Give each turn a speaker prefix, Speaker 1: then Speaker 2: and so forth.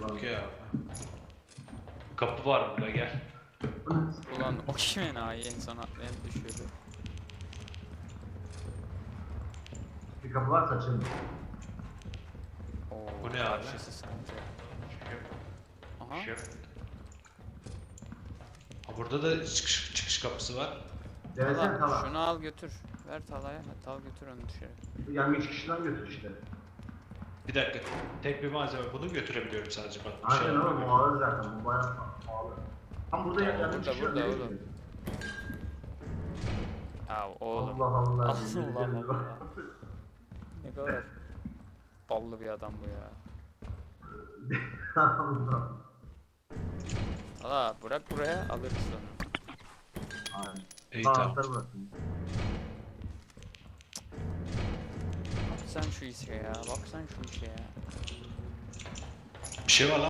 Speaker 1: Okey abi. Kapı var burada, gel.
Speaker 2: Ulan o kim enayi en son atlayan düşüyordu.
Speaker 3: Bir kapı varsa açalım.
Speaker 2: Oo,
Speaker 1: Bu ne abi?
Speaker 2: karşısı sence. Aha.
Speaker 1: Şey. Ha, burada da çıkış kapısı var.
Speaker 3: Denesene
Speaker 2: Tala,
Speaker 3: Tala.
Speaker 2: şunu al götür. Ver Tala'ya. Tal götür onu dışarı.
Speaker 3: Yani 3 kişiden götür işte.
Speaker 1: Bir dakika. Tek bir malzeme. Bunu götürebiliyorum sadece bak. Bir şey
Speaker 3: Aynen
Speaker 1: yapamıyorum.
Speaker 3: ama bu ağır zaten. Bu bayağı pahalı. Tam burada
Speaker 2: Tamam,
Speaker 3: yani
Speaker 2: burada,
Speaker 3: üç kişi
Speaker 2: burada
Speaker 3: nereye
Speaker 2: oğlum.
Speaker 3: gidiyor?
Speaker 2: Ya oğlum.
Speaker 3: Allah Allah.
Speaker 2: Allah Allah. Ne kadar ballı bir adam bu ya.
Speaker 3: Allah.
Speaker 2: Tala bırak buraya alırız onu.
Speaker 3: Aynen.
Speaker 1: İyi tamam.
Speaker 3: Anahtarı bırakın.
Speaker 2: Bak sen şu işe ya. Bak sen şu işe ya.
Speaker 1: Bir şey var lan.